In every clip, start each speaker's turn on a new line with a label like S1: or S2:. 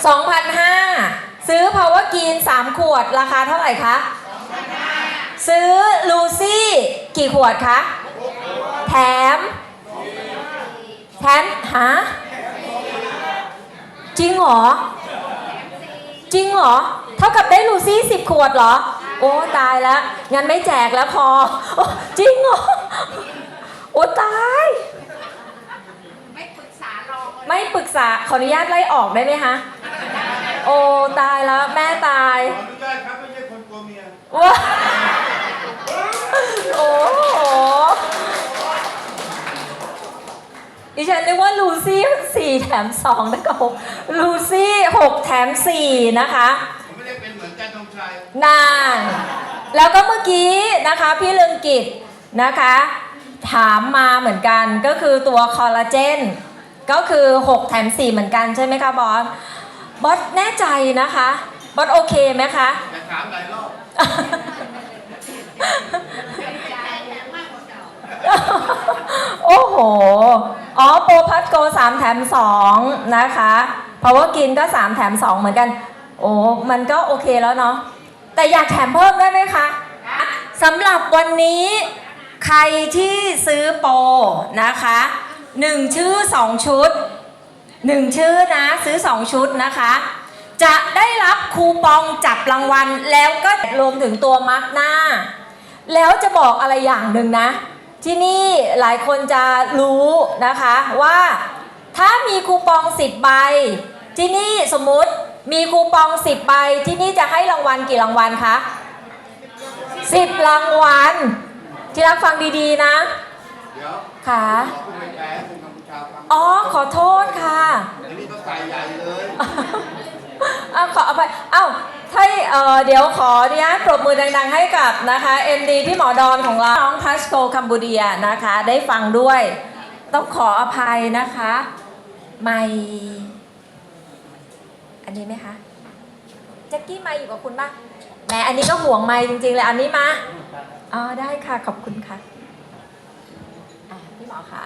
S1: 2,500 ซื้อ Power Green 3 ขวดราคาเท่าไหร่คะ 2,500 ซื้อลูซี่กี่ขวดคะแถมฮะจริงเหรอเท่ากับได้ลูซี่10 ขวดเหรอโอ้ตายแล้วงั้นไม่แจกแล้วพอจริงเหรอโอ้ตายไม่ปรึกษาขออนุญาตไล่ออกได้ไหมคะโอ้ตายแล้วแม่ตาย
S2: ขออนุญาตครับไม่ใช่คนกลัวเมีย
S1: ว้าโอ้โหดิฉันนึกว่าลูซี่4 แถม 2นะก็ลูซี่6 แถม 4นะคะ
S2: ไม่ได้เป็นเหมือนกันตรงชัย
S1: นานแล้วก็เมื่อกี้นะคะพี่เลืองกิจนะคะถามมาเหมือนกันก็คือตัวคอลลาเจนก็คือ6 แถม 4เหมือนกันใช่ไหมคะบอสแน่ใจนะคะบอสโอเคไหมคะ
S2: แต่ถามหลายรอบ
S1: โอ้โหโปรพัทโก3 แถม 2นะคะเพราะว่ากินก็3 แถม 2เหมือนกันโอ้มันก็โอเคแล้วเนาะแต่อยากแถมเพิ่มได้ไหมคะสำหรับวันนี้ใครที่ซื้อโปรนะคะ1 ชื่อ 2 ชุด1 ชื่อนะซื้อ2 ชุดนะคะจะได้รับคูปองจับรางวัลแล้วก็รวมถึงตัวมาร์กหน้าแล้วจะบอกอะไรอย่างหนึ่งนะที่นี่หลายคนจะรู้นะคะว่าถ้ามีคูปอง10 ใบที่นี่สมมุติมีคูปอง10 ใบที่นี่จะให้รางวัลกี่รางวัลคะ10 รางวัลที่รักฟังดีๆนะ
S2: เดี๋ยว
S1: ค่ะ
S2: คุณไปแพ้คุณกัมพูชาฟัง
S1: ขอโทษค่ะ
S2: อันนี้ก็ใส่ใหญ่เลย
S1: ขออภัยถ้าเดี๋ยวขอเนี่ยปรบมือดังๆให้กับนะคะ MD พี่หมอดอนของเราน้องพัชโกคัมบูเดียนะคะได้ฟังด้วยต้องขออภัยนะคะไม่อันนี้ไหมคะแจ็คกี้ไม่อยู่กับคุณป่ะแหมอันนี้ก็ห่วงไม่จริงๆเลยอันนี้มาได้ค่ะขอบคุณค่ะพี่หมอค่ะ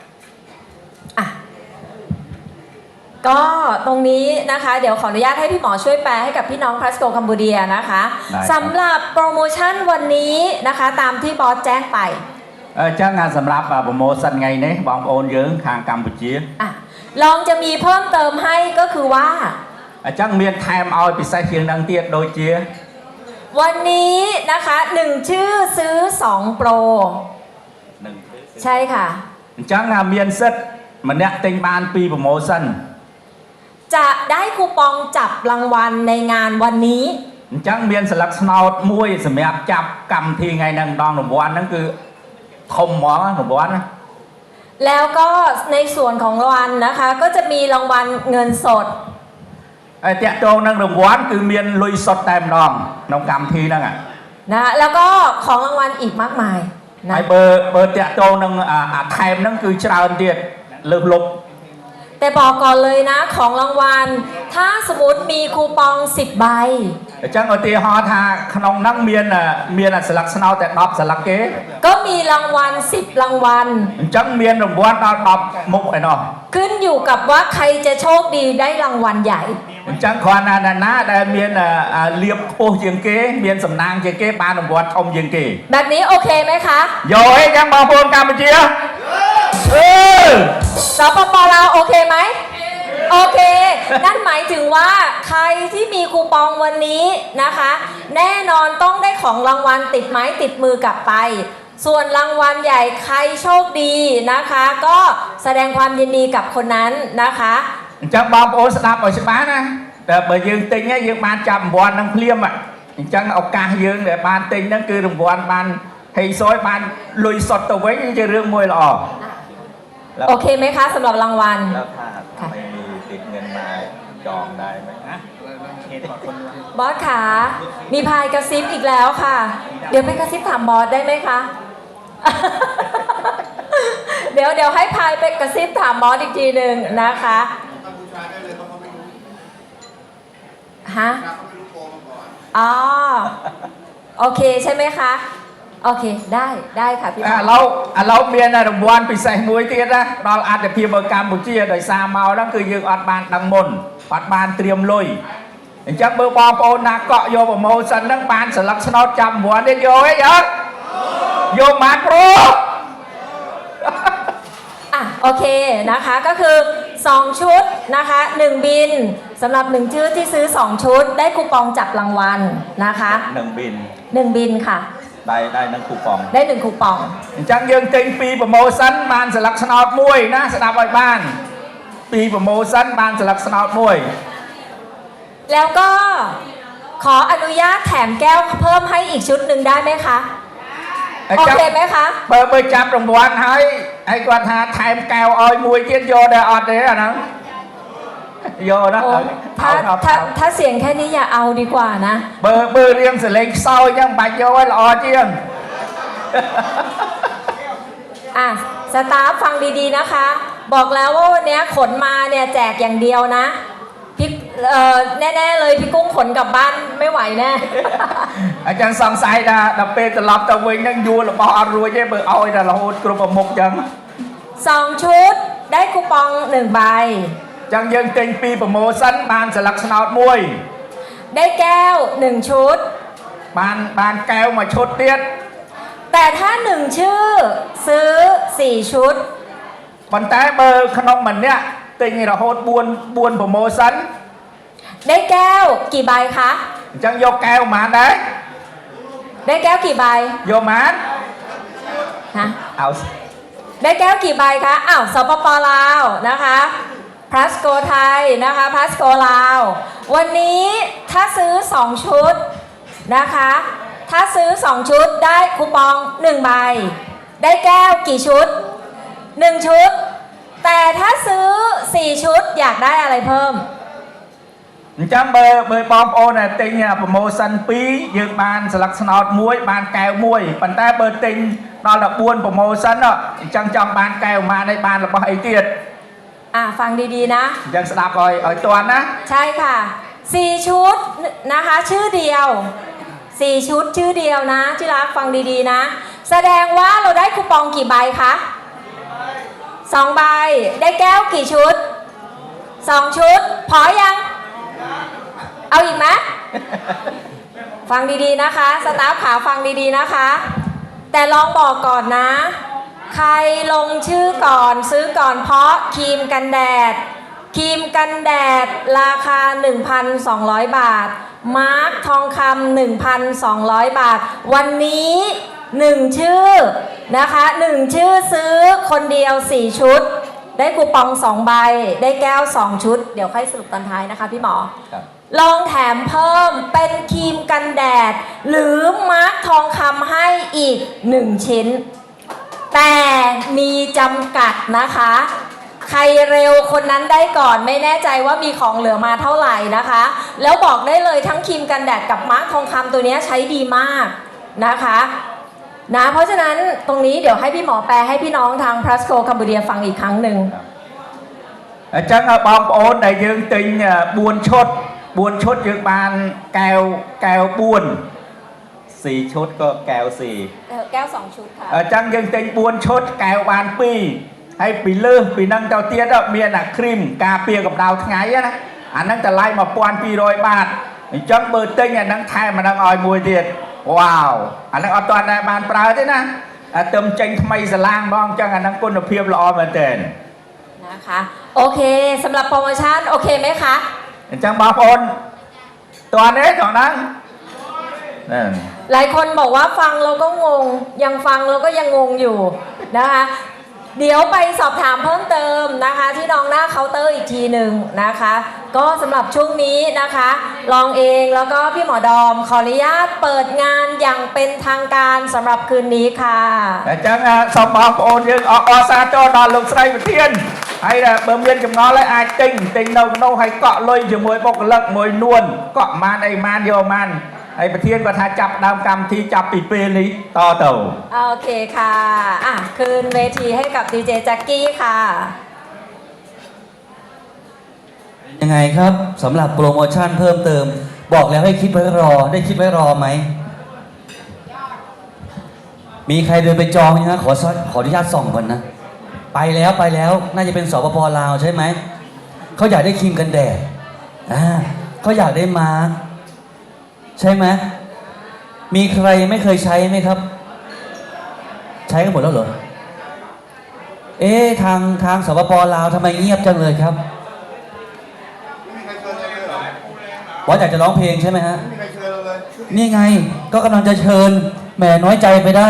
S1: ก็ตรงนี้นะคะเดี๋ยวขออนุญาตให้พี่หมอช่วยแปลให้กับพี่น้องพัสโกคัมบูเดียนะคะสำหรับโปรโมชั่นวันนี้นะคะตามที่บอสแจ้งไป
S3: จ้างงานสำหรับโปรโมชั่นไงเนี่ยบองโอนเยอะทางกัมพูชี
S1: ลองจะมีเพิ่มเติมให้ก็คือว่า
S3: จ้างเมียนไทม์เอาไปใส่เพียงดังเตียดโดยเชีย
S1: วันนี้นะคะ1 ชื่อซื้อ2 โปรใช่ค่ะ
S3: จ้างงานเมียนเซตมันเนี่ยเต็งบานปีโปรโมชั่น
S1: จะได้คูปองจับรางวัลในงานวันนี้
S3: จังเมียนสลักสนาวมวยสมัยจับกำทีไงนางดองหนุ่มวันนั่นคือทมหมอหนุ่มวันนะ
S1: แล้วก็ในส่วนของรางวัลนะคะก็จะมีรางวัลเงินสด
S3: ไอ้เจ้าโจนางหนุ่มวันคือเมียนลุยสดเต็มดองน้องกำทีนั่ง
S1: นะแล้วก็ของรางวัลอีกมากมาย
S3: ไอ้เบอร์เจ้าโจนางไทม์นั่นคือชาวเดียดเลือบลบ
S1: แต่บอกก่อนเลยนะของรางวัลถ้าสมมติมีคูปอง10 ใบ
S3: จังเอาตีฮอทาขนมนั่งเมียนสลักสนาวแต่ดอบสลักเก๋
S1: ก็มีรางวัล10 รางวัล
S3: จังเมียนรางวัลดอบมุกไอ้นอ
S1: ขึ้นอยู่กับว่าใครจะโชคดีได้รางวัลใหญ่
S3: จังคอนานะได้เมียนเลียบโพยังเก๋เมียนสำนางยังเก๋ปานรางวัลอมยังเก๋
S1: แบบนี้โอเคไหมคะ
S3: โย่ให้จังบางคนกัมพูชี
S1: สปป.ลาวโอเคไหมโอเคนั่นหมายถึงว่าใครที่มีคูปองวันนี้นะคะแน่นอนต้องได้ของรางวัลติดไม้ติดมือกลับไปส่วนรางวัลใหญ่ใครโชคดีนะคะก็แสดงความยินดีกับคนนั้นนะคะ
S3: จังบางโอสดับเอาใช่ไหมนะแต่เบอร์ยืนติงเนี่ยยืนบานจับบอลนั่งเพลียมจังเอากายืนเดี๋ยวบานติงนั่นคือรางวัลบานให้ซอยบานลุยสดตัวไว้จะเรื่องมวยหล่อ
S1: โอเคไหมคะสำหรับรางวัล
S3: แล้วถ้าไม่มีติดเงินมาจองได้ไหมนะ
S1: บอสขามีพายกระซิบอีกแล้วค่ะเดี๋ยวไปกระซิบถามบอสได้ไหมคะเดี๋ยวให้พายไปกระซิบถามบอสอีกทีหนึ่งนะคะฮะโอเคใช่ไหมคะโอเคได้ค่ะพี่
S3: เราเมียนรางวัลพิเศษมวยเตี้ยนะเราอาจจะเพียงเบอร์กัมพูชีโดยซาเมานั่นคือยืงอัดบานดังมนปัดบานเตรียมลุยจังเบอร์บอลโอนนักเกาะโยบโมสันนั่งบานสลักสนอจำหัวได้โยไอ้ยักษ์โยมาโปร
S1: อ่ะโอเคนะคะก็คือ 2 ชุดนะคะ1บินสำหรับ1ชื่อที่ซื้อ 2 ชุดได้คูปองจับรางวัลนะคะ
S3: 1 บิน
S1: 1บินค่ะ
S3: ได้1คูปอง
S1: ได้1คูปอง
S3: จังยังเต็งปีโปรโมชั่นบานสลักสนอมวยนะสนามไว้บ้านปีโปรโมชั่นบานสลักสนอมวย
S1: แล้วก็ขออนุญาตแถมแก้วเพิ่มให้อีกชุดหนึ่งได้ไหมคะโอเคไหมคะ
S3: เบอร์จับรางวัลให้กวนหาแถมแก้วออยมวยเจียนโยเดออดเลยนะโยนะ
S1: โอ้ถ้าเสียงแค่นี้อย่าเอาดีกว่านะ
S3: เบอร์เรียงเสลงเศร้ายังบัดโยไว้รอเจียง
S1: อ่ะสตาฟฟังดีๆนะคะ บอกแล้วว่าวันนี้ขนมาเนี่ยแจกอย่างเดียวนะพี่แน่ๆเลยพี่กุ้งขนกลับบ้านไม่ไหวแน่
S3: อาจารย์สองสายนะดับเปตลับตะเวงยังยูหรือเปล่าอรวยเจ้เบอร์เอาไอ้แต่ละโหดกรุบมุกจัง
S1: 2 ชุดได้คูปอง1ใบ
S3: จังยังเต็งปีโปรโมชั่นบานสลักสนอมวย
S1: ได้แก้ว1ชุด
S3: บานแก้วมาชดเตี้ย
S1: แต่ถ้า1ชื่อซื้อ4ชุด
S3: ปันแต่เบอร์ขนมมันเนี่ยเต็งเราโหดบวนโปรโมชั่น
S1: ได้แก้วกี่ใบคะ
S3: จังโยกแก้วมาได้
S1: ได้แก้วกี่ใบ
S3: โยมาน
S1: ฮะ
S3: เอา
S1: ได้แก้วกี่ใบคะอ้าวสปปลาวนะคะพลัสโกไทยนะคะพลัสโกลาววันนี้ถ้าซื้อ2ชุดนะคะถ้าซื้อ2ชุดได้คูปอง1ใบได้แก้วกี่ชุด1ชุดแต่ถ้าซื้อ4ชุดอยากได้อะไรเพิ่ม
S3: จังเบอร์บอมโอเนี่ยเต็งเนี่ยโปรโมชั่นปียืมบานสลักสนอมวยบานแก้วมวยปันแต่เบอร์เต็งนอนละบวนโปรโมชั่นเนาะจังบานแก้วมาในบานละบไอเตียด
S1: ฟังดีๆนะ
S3: ยังสลับอ่อยตัวนะ
S1: ใช่ค่ะ4ชุดนะคะชื่อเดียว4ชุดชื่อเดียวนะที่รักฟังดีๆนะแสดงว่าเราได้คูปองกี่ใบคะ2ใบได้แก้วกี่ชุด2ชุดพอยังเอาอีกไหม ฟังดีๆนะคะสตาฟขาฟังดีๆนะคะแต่ลองบอกก่อนนะใครลงชื่อก่อนซื้อก่อนเพราะครีมกันแดดราคา 1,200 บาทมาร์คทองคำ 1,200 บาทวันนี้1ชื่อนะคะ1ชื่อซื้อคนเดียว4ชุดได้คูปอง2ใบได้แก้ว2ชุดเดี๋ยวค่อยสรุปตอนท้ายนะคะพี่หมอ ลองแถมเพิ่มเป็นครีมกันแดดหรือมาร์คทองคำให้อีก1ชิ้นแต่มีจำกัดนะคะใครเร็วคนนั้นได้ก่อนไม่แน่ใจว่ามีของเหลือมาเท่าไหร่นะคะแล้วบอกได้เลยทั้งครีมกันแดดกับมาร์คทองคำตัวนี้ใช้ดีมากนะคะนะเพราะฉะนั้นตรงนี้เดี๋ยวให้พี่หมอแปลให้พี่น้องทางพลัสโกคัมบูเดียฟังอีกครั้งหนึ่ง
S3: จังบอมโอนในยืงติงบวนชดยืงบานแก้วบวน4 ชุดก็แก้ว4
S1: แก้ว2ชุดค่ะ
S3: จังยังเต็งบวนชดแก้วบานปีให้ปีเลือปีนั่งเจ้าเตี้ยเมียนักครีมกาเปียกับดาวทั้งไงนะอันนั้นจะไล่มาปอน200 บาทจังเบอร์เต็งนั่งไทยมานั่งออยมวยเดียดว้าวอันนั้นเอาตอนในบานปลาด้วยนะเติมจังทำไมสลางมองจังอันนั้นกุนเพียบละออมาเต้น
S1: นะคะโอเคสำหรับโปรโมชั่นโอเคไหมคะ
S3: จังบอมโอนตัวนี้ของนั้น
S1: หลายคนบอกว่าฟังเราก็งงยังฟังเราก็ยังงงอยู่นะคะเดี๋ยวไปสอบถามเพิ่มเติมนะคะที่น้องหน้าเคาน์เตอร์อีกทีหนึ่งนะคะก็สำหรับช่วงนี้นะคะลองเองแล้วก็พี่หมอดอมขออนุญาตเปิดงานอย่างเป็นทางการสำหรับคืนนี้ค่ะ
S3: จังสมองโอนยังอซาโจนอนลงใส่เทียนให้เบิ่มเรียนจำนวนเลยไอ้ติงโนให้เกาะลอยอยู่มวยปกเลิกมวยนวลเกาะมันไอ้มันโยมันไอ้ประเทศก็ถ้าจับดาวกรรมที่จับปีเปนี้ต่อเต่า
S1: โอเคค่ะคืนเวทีให้กับดีเจแจ็คกี้ค่ะ
S4: ยังไงครับสำหรับโปรโมชั่นเพิ่มเติมบอกแล้วให้คิดไว้รอได้คิดไว้รอไหมมีใครเดินไปจองยังฮะขออนุญาตส่องก่อนนะไปแล้วน่าจะเป็นสปป.ลาวใช่ไหมเขาอยากได้ครีมกันแดดเขาอยากได้มาร์คใช่ไหมมีใครไม่เคยใช้ไหมครับ ใช้กันหมดแล้วเหรอทางสปปลาวทำไมเงียบจังเลยครับ
S2: ไม่มีใครเชิญเราเลยเหรอ
S4: ว่าอยากจะร้องเพลงใช่ไหมฮะ
S2: ไม่มีใครเชิญเราเลย
S4: นี่ไงก็กำลังจะเชิญแหมน้อยใจไปได้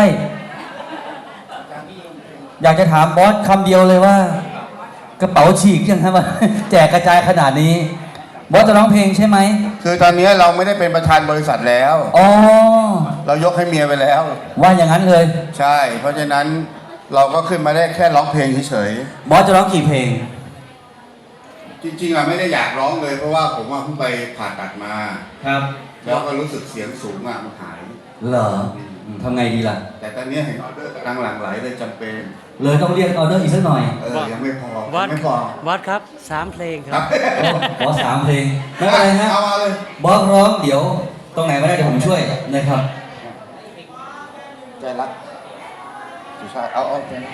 S4: อยากจะถามบอสคำเดียวเลยว่า กระเป๋าฉีกยังครับ แจกกระจายขนาดนี้ บอสจะร้องเพลงใช่ไหม
S2: คือตอนนี้เราไม่ได้เป็นประธานบริษัทแล้ว
S4: อ๋อ
S2: เรายกให้เมียไปแล้ว
S4: ว่าอย่างนั้นเลย
S2: ใช่ เพราะฉะนั้นเราก็ขึ้นมาได้แค่ร้องเพลงเฉย
S4: บอสจะร้องกี่เพลง
S2: ๆ จริงๆอะไม่ได้อยากร้องเลย เพราะว่าผมว่าเพิ่งไปผ่าตัดมา
S4: ครับ
S2: แล้วก็รู้สึกเสียงสูงอะมันหาย
S4: เหรอทำไงดีล่ะ
S2: แต่ตอนนี้เห็นออเดอร์กำลังหลั่งไหลเลยจำเป็น
S4: เลยต้องเรียกออเดอร์อีกสักหน่อย
S2: ยังไม่พอ
S5: วัด
S2: ไม่พอ
S5: วัดครับ3 เพลงค
S2: ครั
S5: รับ
S4: บอส3 เพลงไม่เป็นไรฮะ
S2: เอามาเลย
S4: บอสร้องเดี๋ยว ตรงไหนไม่ได้เดี๋ยวผมช่วยนะครับ
S2: ใจรักสุชาติเอาใจรัก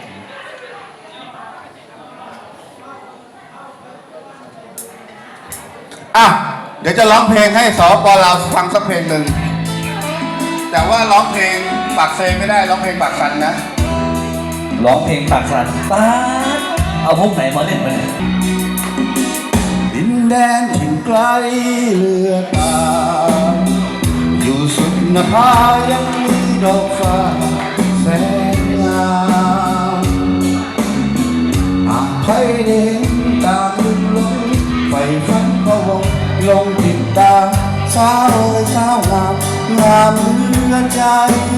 S2: อ่ะเดี๋ยวจะร้องเพลงให้สปปลาวฟังสักเพลงหนึ่ง แต่ว่าร้องเพลงปากเซไม่ได้ร้องเพลงปากสันนะ
S4: ร้องเพลงปากสั่นป๊าดเอาพวกไหนมาเล่นมาเนี่ย
S2: ดินแดนถิ่นไกลเลือตา อยู่สุดนภายังมีดอกฟ้าแสนงามหากใครเด่นตามลึกลงไฟฟันพะวงลงติดตามสาวเอ๋ยสาวงามงามเหลือใจ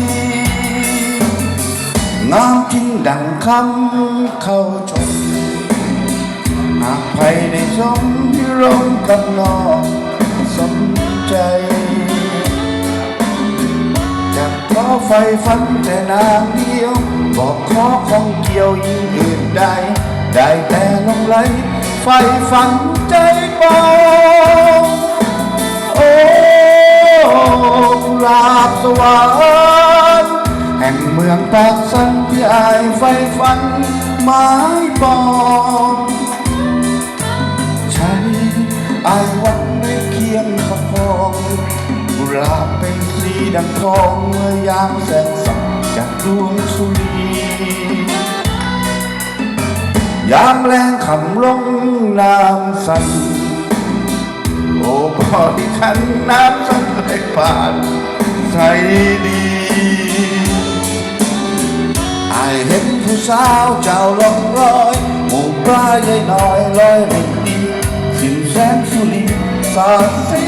S2: งามจริงดังคำเข้าชม หากใครได้ชมพิรมกับน้องสมใจ จะขอไฟฝันแต่นางเดียว บอกขอของเกี่ยวยิ่งอื่นใด ได้แต่ลงไหลไฟฝันใจเบาโอ้กุหลาบสวรรค์แห่งเมืองปากสันที่อายไฟฝันหมายปองใช้อายวันไม่เคียงประคองกุหลาบเป็นสีดังทองเมื่อยามแสงส่องจากดวงสุรียามแรงคำลงน้ำสั่นโอ้พอที่ขันน้ำสั่นไหลผ่านใสดีอายเห็นผู้สาวเจ้าลงรอยหมู่ปลาใหญ่น้อยลอยริมดีสิ้นแสงสุรีสาดสี